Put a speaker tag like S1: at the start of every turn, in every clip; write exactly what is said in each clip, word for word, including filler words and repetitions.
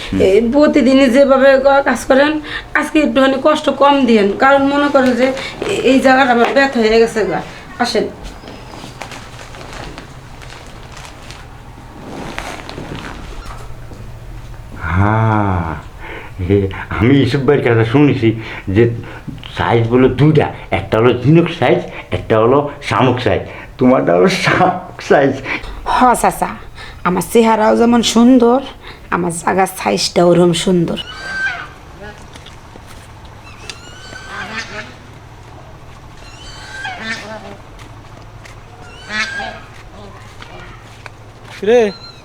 S1: এই প্রতিদিনই যেভাবে ক- কাজ করেন আজকে একটুখানি কষ্ট কম দিয়েন, কারণ মনে করেন যে এ- এই জায়গাটা আমার ব্যথা হয়ে গেছে গা। আসেন।
S2: হ্যাঁ, এ, আমি ইসব ভাইয়ের কথা শুনেছি যে সাইজ বলো দুইটা, একটা হলো ঝিনুক সাইজ, একটা হলো শামুক সাইজ। তোমারটা হলো শামুক সাইজ।
S1: হ চাচা, আমার চেহারাও যেমন সুন্দর, আমার জায়গার সাইজটাও ওরকম সুন্দর।
S3: রে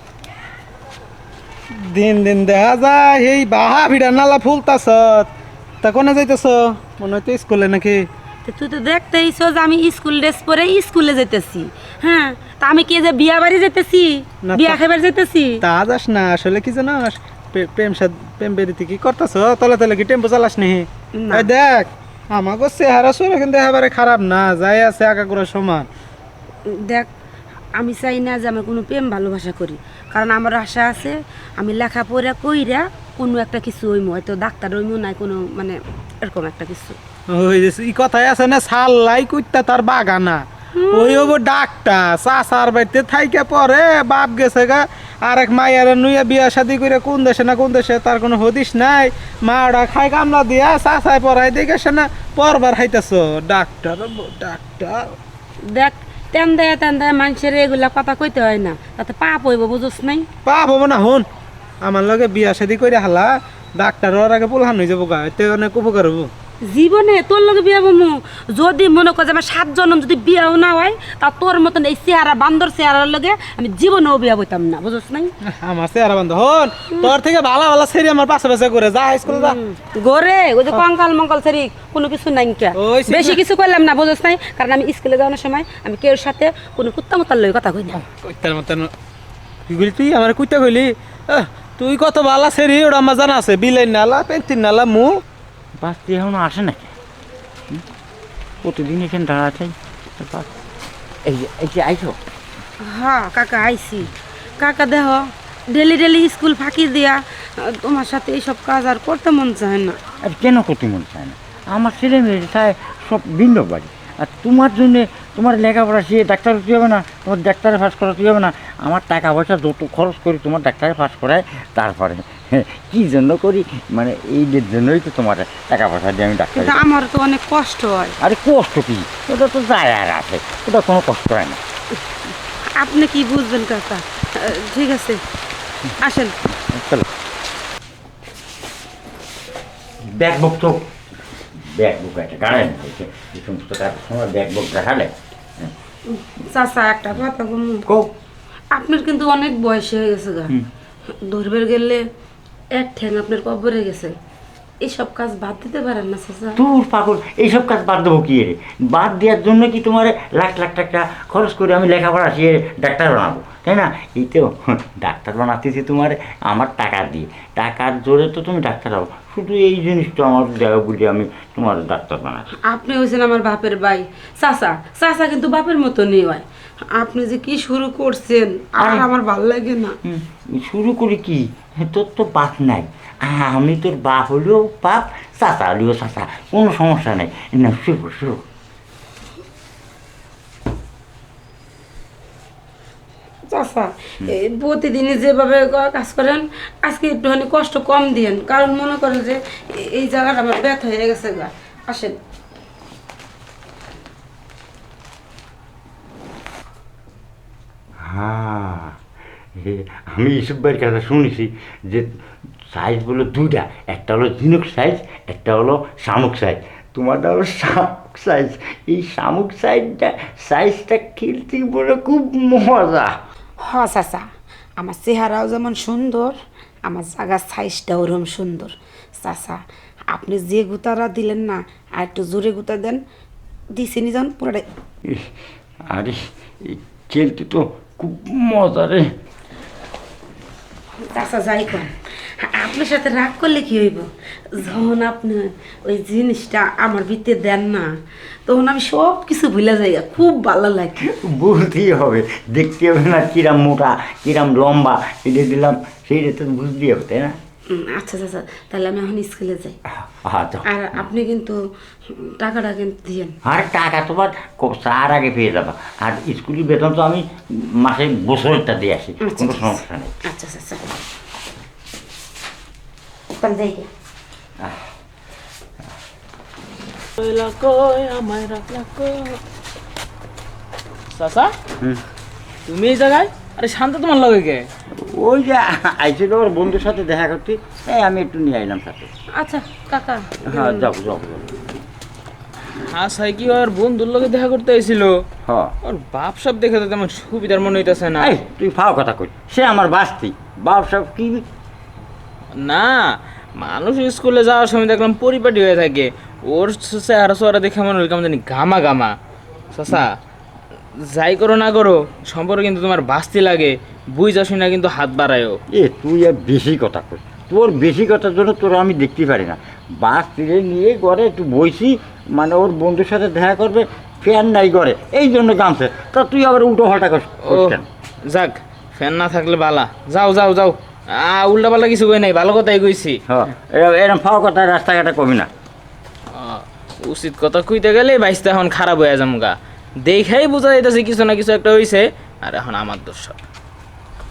S3: দিন দিন দেখা যায় এই বাহা ভিড়া নালা ফুলতাছ তা কোনে যাইতেছ মনে হয়তো স্কুলে নাকি
S1: তো তুই তো দেখতেইছ যে আমি স্কুল ড্রেস পরে স্কুলে যেতেছি। হ্যাঁ, তা আমি কি যে বিয়া বাড়ি যেতেছি,
S3: না তো।
S1: বিয়া খাবার যেতেছি?
S3: তা যাস না আসলে কি জানো প্রেম সাদ প্রেম বেরিতে কি করতেছ তলে তলে কি টেম্পো চালাস নি
S1: না।
S3: এই দেখ আমাকে চেহারা সরে কিন্তু একেবারে খারাপ না, যাই আছে আগাগোড়া সমান।
S1: দেখ, আমি চাই না যে আমার কোনো প্রেম ভালোবাসা করি, কারণ আমার আশা আছে আমি লেখাপড়া কইরা কোনো একটা কিছু হইমো, হয়তো ডাক্তার হইমো, নাই কোনো মানে এরকম একটা কিছু।
S3: ওই যে এই কথাই আছে না, সাল্লাই কুইতা তার বাগানা ওই হবো ডাক্তার চাচার বাড়িতে থাইকে পরে বাপ গেছে গা আর এক মাইয়ারে নুইয়া বিয়া শাদি করে কোন দেশে না কোন দেশে তার কোনো হদিস নাই, মা ওরা খাই কামলা দিয়া চাচাই পড়াই দেখেছে না পরবার হাইতেছ ডাক্তার হবো, ডাক্তার।
S1: দেখ, তেন দেয় তেন দেয় মানুষের এগুলা কথা কইতে হয় না, তাতে পাপ হইব, বুঝোস নাই?
S3: পাপ হবো না হন আমার লগে বিয়া শাদি করে হালা ডাক্তার ওর আগে পোলহান হয়ে যাবো গা, এতে অনেক উপকার হবো।
S1: জীবনে তোর লগে বিয়া বমু, যদি মনে কর যে আমার সাত জনম যদি বিয়াও না হয়, তা তোর মতন এই চেহারা বান্দর চেহারার লগে আমি জীবনেও বিয়া বইতাম না, বুঝোস নাই?
S3: আমার চেহারা বান্ধব হন তোর থেকে ভালো ভালো ছেড়ে আমার পাশে পাশে করে যা স্কুল যা।
S1: গরে ওই যে কঙ্কাল মঙ্কাল সেরি কোনো কিছু নাই কে,
S3: ওই সে-
S1: বেশি কিছু করলাম না, বুঝোস নাই? কারণ আমি স্কুলে যাওয়ার সময় আমি কেউ সাথে কোনো কুত্তা মুত্তার লগে কথা কই না।
S3: কইতার মতন কি কইলি তুই আমার কইতা কইলি আহ, তুই কত বালা সেরি ওটা আমার জানা আছে বিলাই নালা পেন্টিন নালা মু
S2: বাচ্চা এখনো আসে নাকি? হুম? প্রতিদিন এখানে দাঁড়া চাই। এই যে এই যে আইছো,
S1: হ্যাঁ কাকা, আইছি। কাকা দেহ ডেলি ডেলি স্কুল ফাঁকি দিয়া আহ, তোমার সাথে এইসব কাজ আর করতে মন চায় না।
S2: আর কেন করতে মন চায় না? আমার ছেলে মেয়ে চায় সব ভিন্ন বাড়ি, আর তোমার জন্যে তোমার লেখাপড়া সে ডাক্তার হতে হবে না, তোমার ডাক্তারে পাস করাতে হবে না। আমার টাকা পয়সা যত খরচ করি তোমার ডাক্তারে পাস করায়, তারপরে কী জন্য করি মানে এইদের জন্যই তো তোমার টাকা পয়সা দিয়ে আমি ডাক্তার।
S1: কিন্তু আমার তো অনেক কষ্ট হয়।
S2: আরে কষ্ট কি, ওটা তো যায় আর আছে, ওটা কোনো কষ্ট হয় না।
S1: আপনি কি বুঝবেন কাকা? আহ, ঠিক আছে, আসেন।
S2: চলো ব্যাগ বুক তো ব্যাগ বুক একটা গাড়েন এই সমস্ত কাজের সময় ব্যাগ বুক দেখালে
S1: চাচা একটা কথা বলুন,
S2: কো
S1: আপনার কিন্তু অনেক বয়স হয়ে গেছে গা, ধরবার গেলে এক ঠ্যাং আপনার কবরে গেছে, এইসব কাজ বাদ দিতে পারেন না চাচা?
S2: দূর পাগল, এইসব কাজ বাদ দেবো কি রে? বাদ দেওয়ার জন্য কি তোমার লাখ লাখ টাকা খরচ করে আমি লেখাপড়া শিখে ডাক্তার বানাবো, তাই না? এই তো ডাক্তার বানাতেছি তোমার আমার টাকা দিয়ে, টাকার জোরে তো তুমি ডাক্তার হবো। শুধু এই জিনিসটা আমার জায়গা বুঝে আমি তোমার ডাক্তার বানাচ্ছি।
S1: আপনি হয়েছেন আমার বাপের ভাই চাচা, চাচা কিন্তু বাপের মতো নেই হয়। আপনি যে কি শুরু করছেন আর
S2: আরে।
S1: আমার ভাল লাগে না।
S2: হুম, শুরু করি কি, তোর তো বাপ নাই, আমি তোর বাপ হলেও বাপ, চাচা হলেও চাচা, কোনো সমস্যা নেই। না শুরু শুরু
S1: চাচা, এই প্রতিদিনই যেভাবে ক- কাজ করেন আজকে একটুখানি কষ্ট কম দিয়েন, কারণ মনে করেন যে এ- এই জায়গাটা আমার ব্যথা হয়ে গেছে গা। আসেন।
S2: হ্যাঁ, এ, আমি ইসব ভাইয়ের কথা শুনেছি যে সাইজ বলো দুইটা, একটা হলো ঝিনুক সাইজ, একটা হলো শামুক সাইজ। তোমারটা হলো শামুক সাইজ। এই শামুক সাইজটা সাইজটা খেলতে বলে খুব মজা।
S1: হ চাচা, আমার চেহারাও যেমন সুন্দর, আমার জায়গার সাইজটাও ওরকম সুন্দর। চাচা, আপনি যে গুতারা দিলেন না, আর একটু জোরে গুতা দেন, দিছি নি যখন পুরোটাই।
S2: ইস, আরে এই খেলতে তো খুব মজা রে।
S1: চাচা যাই কন, আপনার সাথে রাগ করলে কি হইব? যখন আপনি ওই জিনিসটা আমার ভিতরে দেন না, তখন আমি সব কিছু ভুলে যাই, খুব ভালো লাগে।
S2: বুঝতেই হবে, দেখতে হবে না কিরাম মোটা কিরাম লম্বা, এটা দিলাম সেইটা তো বুঝতেই হবে, তাই না?
S1: উম, আচ্ছা চাচা, তাহলে আমি এখন স্কুলে যাই।
S2: হ্যাঁ যাও।
S1: আর আপনি কিন্তু টাকাটা কিন্তু দিয়েন।
S2: আর টাকা তোমার ক- তার আগে পেয়ে যাবা। আর স্কুলের বেতন তো আমি মাসে বছরেরটা দিয়ে আসি,
S1: আচ্ছা,
S2: কোনো
S1: ঠিক আছে।
S2: সমস্যা নেই।
S1: আচ্ছা চাচা, তাহলে যাই গে।
S3: চাচা
S2: হুম।
S3: তুমি এই জায়গায়? আরে শান্ত তোমার লগে কে?
S2: ওই যে আইছিল ওর বন্ধুর সাথে দেখা করতে, এই আমি একটু নিয়ে আইলাম সাথে।
S1: আচ্ছা কাকা,
S2: হ্যাঁ যাও যাও যাও।
S3: হ্যাঁ সাই কি ওর বন্ধুর লগে দেখা করতে আইছিল?
S2: হ্যাঁ
S3: ওর বাপ সব দেখে তো তেমন সুবিধার মনে হইতেছে না।
S2: এই তুই ফাও কথা কই, সে আমার বাস্তি বাপ সব কি।
S3: না, মানুষ স্কুলে যাওয়ার সময় দেখলাম পরিপাটি হয়ে থাকে, ওর চেহারা চেহারা দেখে মনে হল কেমন জানি গামা গামা। চাচা যাই করো না করো, সম্পর্কে কিন্তু তোমার বাস্তি লাগে, বুঝা শুনে কিন্তু হাত বাড়ায়ও।
S2: এ তুই আর বেশি কথা কই, তোর বেশি কথার জন্য তোর আমি দেখতে পারি না। বাস ফিরে নিয়ে ঘরে একটু বইছি, মানে ওর বন্ধুর সাথে দেখা করবে, ফ্যান নাই ঘরে, এই জন্য কামছে। তা তুই আবার উল্টো পাল্টা করিস
S3: ও
S2: কেন?
S3: যাক, ফ্যান না থাকলে বালা, যাও যাও যাও। আ উল্টা পাল্টা কিছু কই নাই, ভালো কথাই কইছি।
S2: হ্যাঁ এরম- এরম ফাও কথা রাস্তাঘাটে কবি না।
S3: আ, উচিত কথা কইতে গেলে বাইশটা এখন খারাপ হয়ে যাম গা। দেখাই বোঝা যাইতেছে কিছু না কিছু একটা হইছে, আর এখন আমার দোষ সব।